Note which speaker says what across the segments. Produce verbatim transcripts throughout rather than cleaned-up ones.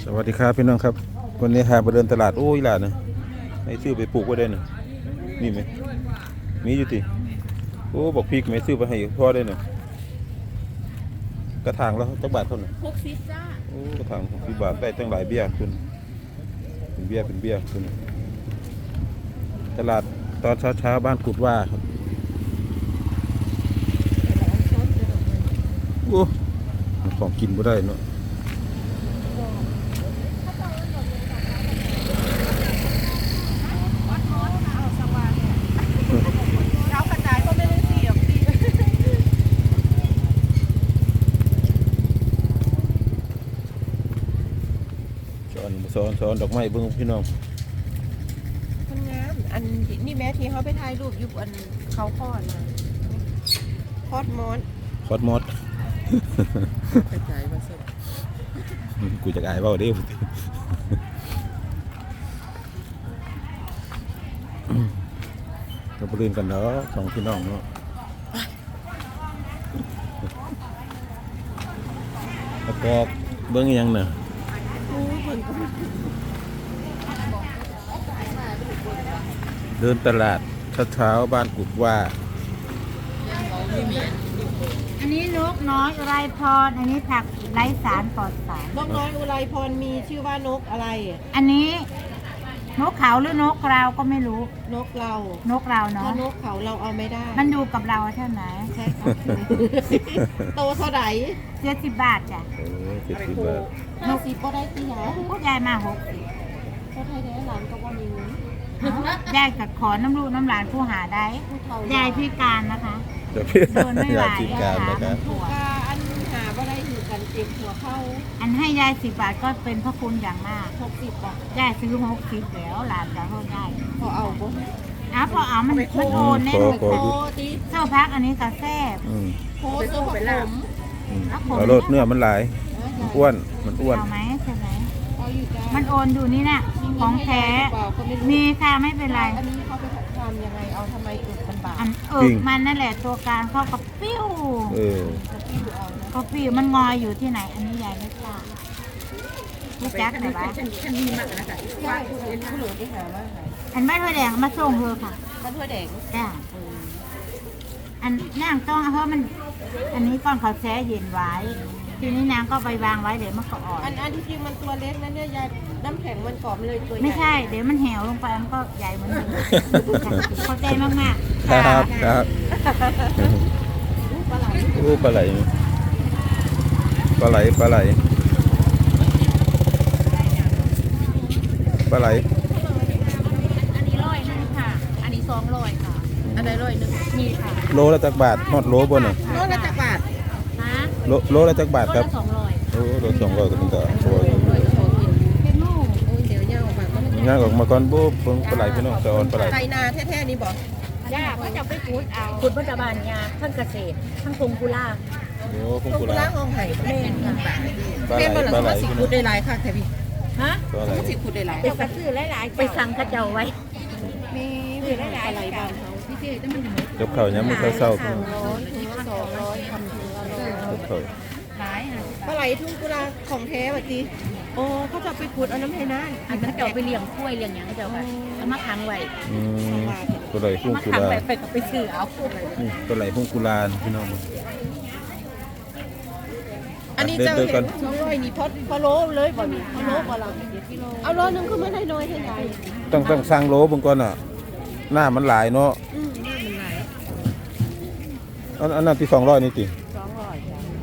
Speaker 1: สวัสดีครับพี่น้องครับวันนี้หาไปเดินตลาดโอ้ยหลานนะให้ซื้อไปปลูกไว้ได้หนึ่งนี่ไหมมีอยู่ติโอ้บอกพริกไหมซื้อไปให้พ่อได้หนึ่งกระถางแล้วจักบาทเท่าไหร่
Speaker 2: หกสิบจ้า
Speaker 1: โอ้กระถางหกสิบบาทได้ตั้งหลายเบี้ยคุณเป็นเบี้ยเป็นเบี้ยคุณตลาดตอนเช้าๆบ้านกุดว่าครับโอ้ของกินไม่ได้เนาะสอนสอนดอกไม้เบิ่งพี่น้อง
Speaker 2: คนงามอันนี่แม่ที่เขาไปถ่ายรูปอยู่บนเขาคอดนะคอดมอส
Speaker 1: คอดมอส
Speaker 2: กระจายมาสุด
Speaker 1: กูจะอายเปล่าเด้เราไปเรียนกันเนาะสองพี่น้องเนาะแล้วก็เบิ่งยังเนาะเดินตลาดเช้าๆบ้านกุดว่า
Speaker 3: อันนี้นกน้อยอุไรพรอันนี้ผักไร้สารปลอดสาร
Speaker 2: นกน้อยอุไรพรมีชื่อว่านกอะไร
Speaker 3: อันนี้นกเขาหรือนกเราก็ไม่รู้
Speaker 2: นกเรา
Speaker 3: นกเราเนาะ
Speaker 2: ถ้านกเขาเราเอาไม่ได้
Speaker 3: มันอยู่กับเราเท่าไหร่
Speaker 2: ใช่ค่ะโตเท่าไหร่
Speaker 3: เจ็ดสิบบาทจ้ะ
Speaker 1: เจ็ดสิบบาท
Speaker 2: ห้าสิบก็ได้ที่ไหน
Speaker 3: พูดยายมาหกสิบ
Speaker 2: ก็ไทยได้หลานก็ว่ามีเงิน
Speaker 3: ยายกับขอน้ำลูกน้ำหลานผู้หาได้ยายพิการนะคะ
Speaker 1: โดนไม่ไหวนะคะ
Speaker 2: ถูกอันหาก็ได้ถือกันเจ็บหัวเข้า
Speaker 3: อันให้ยายสิบบาทก็เป็นพระคุณอย่างมาก
Speaker 2: หกสิบอ่ะ
Speaker 3: ยายซื้อหกสิบแล้วหลานจะเท่าได้
Speaker 2: พอเอาบ่
Speaker 3: อ้าวพอเอามันมันโอนแน่เลยโคตีเจ้าพักอันนี้กระแซ่บ
Speaker 2: โคเสื้อผม
Speaker 1: เอารสเนื้อมันหลายมันอ้วนมันอ้วน
Speaker 3: เอาไหมใช่ไหมมันโอนอยู่นี่น่ะของแท้มีค่ะไม่เป็นไร
Speaker 2: อันนี้เขาไปทำยังไงเอาทำไมอึดมันบาด
Speaker 3: เออมันนั่นแหละตัวการเข้ากับปิ้ว
Speaker 1: เออ
Speaker 3: ก็ปิ้วมันงอยอยู่ที่ไหนอันนี้ใหญ่ไม่ทราบพี่แจ๊คไหนบ้าง
Speaker 2: ฉันมีมากนะคะว่าเป็นผู้หลวงที่หาว่า
Speaker 3: อันไม่ถ้วยแดงมาส่งเธอค่ะ
Speaker 2: มาถ้วยแดง
Speaker 3: จ้าอันนั่งต้องเพราะมันอันนี้ก้อนเขาแช่เย็นไว้ทีนี้นางก็ไปวางไว้เดี๋ยวมันก็อ่อน
Speaker 2: อันอันที่จริงมันตัวเล็กนะเนี่ยยายน้ำแข็งมันกรอบเลยตัวใหญ่
Speaker 3: ไม่ใช่เดี๋ยวมันแหวลงไปมันก็ใหญ่เหมือนเดิมเข้าใจมากมาก
Speaker 1: ครับครับ
Speaker 2: ปลาไหล
Speaker 1: โอ้ปลาไหลปลาไหลปลาไหลปลาไหล
Speaker 2: อันนี้ร้อยนึงค่ะอันนี้สองร้อยค่ะอันใดร้อยนึงมีค่ะ
Speaker 1: โลละจักบาทฮอดโลบนอ่ะ
Speaker 2: โลละจักบาท
Speaker 1: โลโลละจักบาทครับ
Speaker 2: สองร้อย
Speaker 1: โอ้โลสองร้อยก็เป็นต่อโอ้ย
Speaker 2: เป็นลูกโอ้ยเดี๋ยวย่างออกมาก็ไม่
Speaker 1: ย่างออกมาก่อนบุ๊บเพิ่งปลาไหลพี่น้องจะอ่อนปลาไหล
Speaker 2: ไทยนาแท้ๆนี่บอก
Speaker 3: ย่าก็จะไปพูดเอาพูดปัจจุบันยาทั้งเกษตรทั้งพงกุลา
Speaker 1: โอ้พงกุ
Speaker 2: ลาห้องไห่แม่นค่ะ
Speaker 1: ปลาไหลปลาไหล
Speaker 2: สิขุดได้หลายค่ะแท้พี่
Speaker 3: ฮะ
Speaker 2: สิขุดได้หลาย
Speaker 3: ไปสั่งซื้อหลายๆไปสั่งกระเจ้าไว้
Speaker 2: มีมีหลายๆอะไรบ้างเขาพี่เจ๊แต่มัน
Speaker 1: กับเขาเนี่ยมันเศร้าๆครับ
Speaker 2: สองร้อยทำถึง
Speaker 1: กับเขา
Speaker 2: ปลาไหลทุ่งกุลาของแท้แบบนี้โอ้เขาจะไปขุดเอาน้ำให้น่าน
Speaker 3: อันนั้นจะไปเลี้ยงกล้วยเลี้ยงอย่างเจ้าค่ะเอามาขังไว้
Speaker 1: ปลาไหลพุ่งกุลา
Speaker 3: ไปไปซื้อเอา
Speaker 1: ปลาไหลพุ่งกุลาพี่น้อง
Speaker 2: อันนี้จะเห็นสองร้อยนี่พอพอโลเลยบ่มีพอโลบ่เราเอาโลนึงคือไม่ได้น้อยเท่าไหร่
Speaker 1: ต้องต้องสร้างโลบางก่อนอ่ะหน้ามันหลายเนาะ
Speaker 2: อืมหน้ามันหลาย
Speaker 1: อันอันนั้นที่สองร้อยนี่ติ
Speaker 2: สองร้อย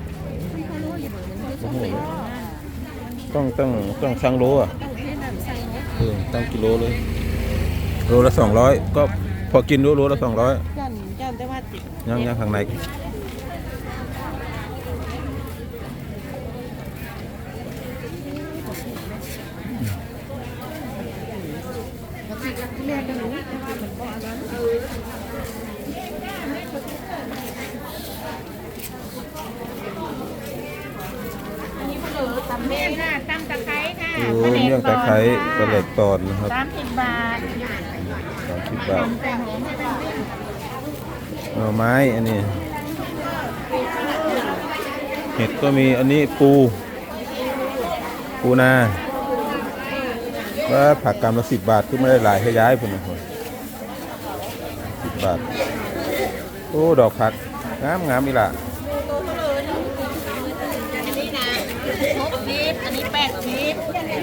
Speaker 1: ต้องต้องต้องสร้างโลอ่ะเออตั้งกิโลเลยโลละสองร้อยก็พอกินโลโลละสองร้อย
Speaker 2: ยันยันแต่ว่า
Speaker 1: ยังยังข้างใน
Speaker 2: แม่ก็รู้
Speaker 3: ตำเมี่ยงค่ะตำตะไคร้ค่ะ
Speaker 1: เมี่ยงตะไคร้ปลาเล็กตอนนะครับ
Speaker 3: สามสิบบาท
Speaker 1: สามสิบบาทหน่อไม้อันนี้เห็ดก็มีอันนี้ปูปูนาว่าผักกำละสิบบาทคือไม่ได้หลายให้ย้ายพุ่นนะคนสิบบาทโอ้ดอกผักงามงามอีหล่ะ
Speaker 2: อันนี้นะหกสิบอันนี้แปดสิบ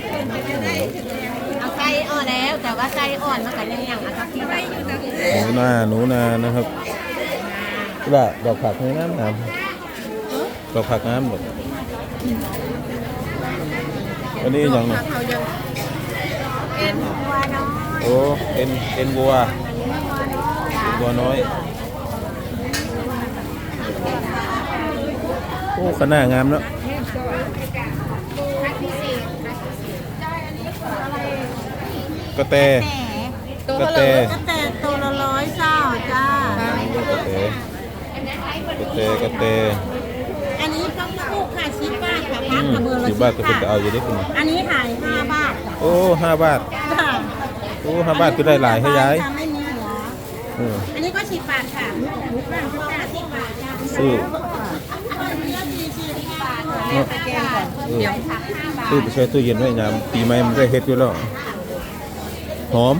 Speaker 2: เอาไส้อ่อนแล้วแต่ว่าไส้อ่อนมันก็ยังยังเอาทักที่ไป
Speaker 1: หนูนาหนูนานะครับอีหล่ะดอกผักงามงามดอกผักงามหมดอันนี้อย่างหนึง
Speaker 2: เขายังเอ็นวัวน้อย
Speaker 1: โอ้เอ็นเอ็นวัววัวน้อยโอ้ขนาดงามเนาะกระแต
Speaker 2: ตัว
Speaker 1: กระ
Speaker 2: เท่าไห
Speaker 1: แต
Speaker 2: ร่
Speaker 3: ก็แต่ตัวละร้อยเศร้าจ้าก
Speaker 1: ระแตกระแตกระแต
Speaker 3: อันนี้ต้องคู่ค่ะสิบบาทค่ะ
Speaker 1: อื
Speaker 3: พัก
Speaker 1: ม
Speaker 3: กระเบือละ
Speaker 1: สิบบาทก็เป็นจะเอาอยู่ได้คุณ
Speaker 3: อันนี้ขายห้าบาท
Speaker 1: โอ้ห้าบาท
Speaker 3: จ้า
Speaker 1: โอ้ห้าบาทก็ได้หลายให้ย้าย
Speaker 3: ไม่มีหัว
Speaker 1: เออ
Speaker 3: อันนี้ก็สิบบาทค่ะหมูกรอบหมูกรอบสิบบาทจ้า
Speaker 1: ซื้อ
Speaker 2: แม่ไปแกงก่อนเดี๋ยว
Speaker 1: ซื้อไปใช้ตู้เย็นไว้ยามปีใหม่มันได้เฮ็ดอยู่แล้วหอม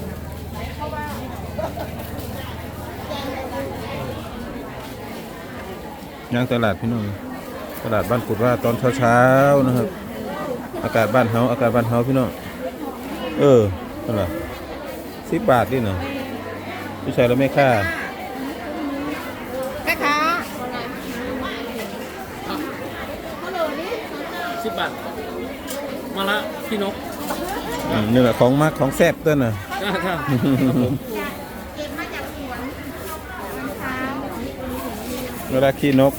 Speaker 1: ย่างตลาดพี่น้องตลาดบ้านกุดว่าตอนเช้าๆนะครับอากาศบ้านเฮาอากาศบ้านเฮาพี่น้องเออเท่าไหร่สิบบาทนี่เนาะผู้ชายแล้วไม่ค่า
Speaker 2: แม่ค้า
Speaker 4: สิบบาทมาละพี่นก
Speaker 1: อืมนี่แหละของมักของแซ่บต้นน่ะ
Speaker 4: ครับ
Speaker 1: เวลาขี้นก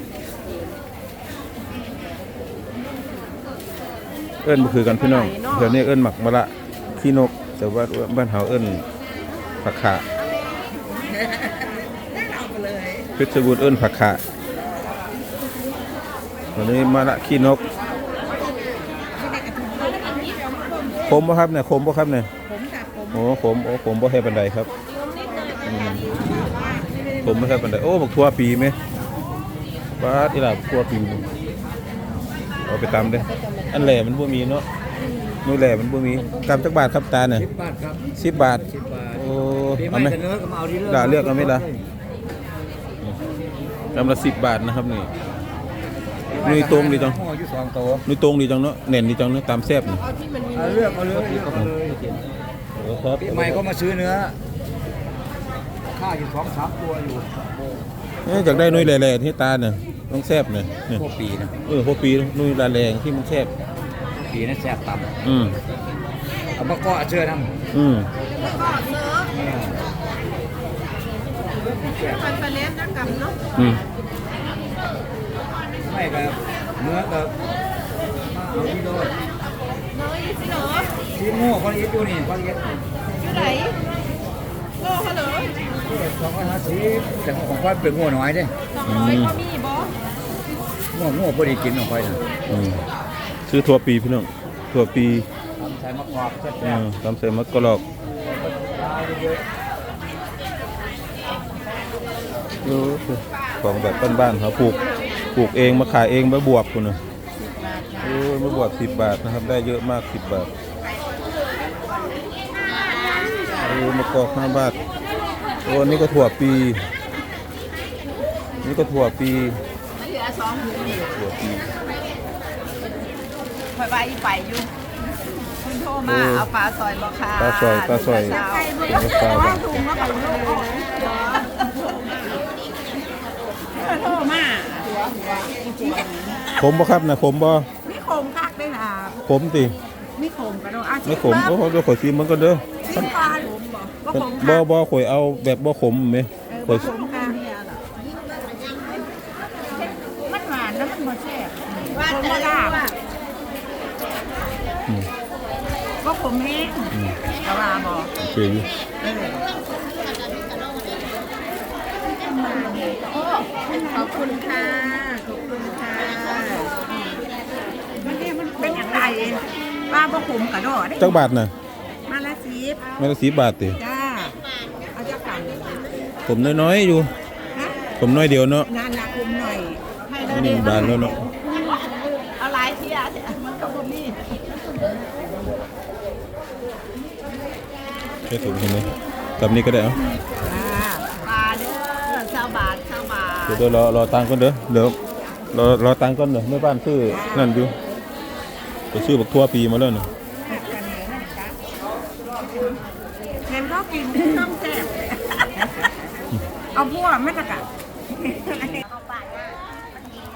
Speaker 1: เอิ้นบ่คือกันพี่น้องเดี๋ยวนี้เอิ้นหมักมะละขี้นก แต่ว่าบ้านเฮาเอิ้นผักขาเพชรบูรณ์เอิ้นผักขาวันนี้มะละขี้นกขมบ่ครับเนี่ยขมบ่ครับเนี่ยโอ้ขมโอ้ขมบ่ให้ปานใดครับอืมขมบ่ให้ปานใดโอ้บักทั่วปีไหมปาดอีหล่ะบักทั่วปีเอาไปตำเด้ออันแหล่มันบ่มีเนาะนู่นแหล่มันบ่มีกำจักบาทครับตาเนี่ย
Speaker 4: สิบบาทครับ
Speaker 1: สิบบาท
Speaker 4: สิบบาท
Speaker 1: โอ้
Speaker 4: ปีให
Speaker 1: เอา
Speaker 4: ม่
Speaker 1: ไหม
Speaker 4: จะเนื้อก็มาเอาที่
Speaker 1: ด่าเลือกเอาไหมล่ะกำละสิบบาทนะครับนี่นุยตรงดีจัง
Speaker 4: ห่ออยู่สองโต
Speaker 1: นุยตรงดีจังเนาะเน่นดีจังเนาะตามแซ่บนี่
Speaker 2: เอาที่มันมี
Speaker 4: เอาเลือกเอาเลยเลือกเอาเลย
Speaker 1: โอ้ครับ
Speaker 4: ปีใหม่ก็มาซื้อเนื้อค่าอยู่สองสามตัวอยู่
Speaker 1: เอ๊ะอยากได้นุยแหล่ๆที่ตาเนี่ยต้องแซ่บเนี่ยเนี่ย
Speaker 4: พวกปีนะ
Speaker 1: เออพวกปีนุยแหล่ๆที่มันแซ่บ
Speaker 4: ปีนั้นแซ่บต่
Speaker 1: อืม
Speaker 4: ำเอามาเกาะเชื่อทำ
Speaker 1: อืม
Speaker 2: มันไปเล่นนักกำเนาะ
Speaker 1: อืม
Speaker 4: ไม่กับเนื้อกับมาเอาที่โดน
Speaker 2: น้อยสิเหรอ
Speaker 4: ที่โม่คนอีทอยู่นี่คนอีท
Speaker 2: อยู่ไหนโลเขาเหรอ
Speaker 4: สองร้อยห้าสิบแต่ของค่อยเป็นหัวน้อยเด้
Speaker 2: สองร้อยก็มีบอ
Speaker 4: หัวหัวพอดีกินของค่อยนะ
Speaker 1: อืมซื้อถั่วปีพี่น้องถั่วปี
Speaker 4: ทำใส่มะกอกแซ่
Speaker 1: อื
Speaker 4: บ
Speaker 1: มตำใส่มะกอกเออของแบบบ้านๆเขาปลูกปลูกเองมาขายเองมาบวบคุณนะโอ้ยมาบวบสิบบาทนะครับได้เยอะมากสิบบาทโอ้มะกอกห้าบาทโอ้นี่ก็ถั่วปี นี่ก็ถั่วปี
Speaker 2: เหลือสองถุงนี่
Speaker 1: ถั่วปี
Speaker 2: คอยไปไปอยู่คุณโทรมาเอาปลาซอยบ่ค่ะ
Speaker 1: ปลาซอยปลาซอย
Speaker 2: ปลาซอย
Speaker 1: เป็นปลาแบบ
Speaker 2: ถุงก็ไปลูกโทรมา
Speaker 1: ขมบ่ครับนะขมบ่
Speaker 2: มีโคมคักด้วยนะ
Speaker 1: ขมติ
Speaker 2: มีโคมกระโดดอาชี
Speaker 1: ไม่ขมก็เดี๋ยวข่อยซิมมันก็เด้อ
Speaker 2: ชิมปลาหลุมบ่ก็โคม
Speaker 1: บ่บ่ข่อยเอาแบบบ่ขมไหมข่อย
Speaker 2: โคมค่ะมันหวานแล้วมันบ่แซ่บว่าแต่ละว่า
Speaker 1: อืม
Speaker 2: ก็ผมแห้ง
Speaker 1: อืม
Speaker 2: กะว่าบ่
Speaker 1: โอเคอยู่
Speaker 2: โอ้ขอบคุณค่ะ ขอบคุณค่ะ มันเนี่ยมันเป็นอย่างไรป้าบ่ขมกระโดด
Speaker 1: จักบาทน่ะ
Speaker 2: มาละสิบ
Speaker 1: ไม่ละสิบบาทติ
Speaker 2: จ้า เอาจักกัน
Speaker 1: ผมน้อยๆอยู่
Speaker 2: ฮะ
Speaker 1: ผมน้อยเดียวเนาะ
Speaker 2: นานละคุมหน่อย ให้
Speaker 1: อันนี้บาทแล้วเนาะ
Speaker 2: เอาหลายเที่ยมันก็บ่มี
Speaker 1: ค่ถุงเห็นไหมกับนี้ก็ได้เนาะ
Speaker 2: ปลาเด้อเช้าบาทเช้าบาท
Speaker 1: เดี๋ยวเดี๋ยวรอรอตังค์ก่อนเด้อเดี๋ยวรอรอตังค์ก่อนเด้อแม่บ้านซื้อนั่นอยู่ไปซื้อบักทั่วปีมาแล้วเนี่ย
Speaker 2: เห็นเขากินต้องแซ่บเอาพวกไม่ตะกะ
Speaker 3: เอาปากนะ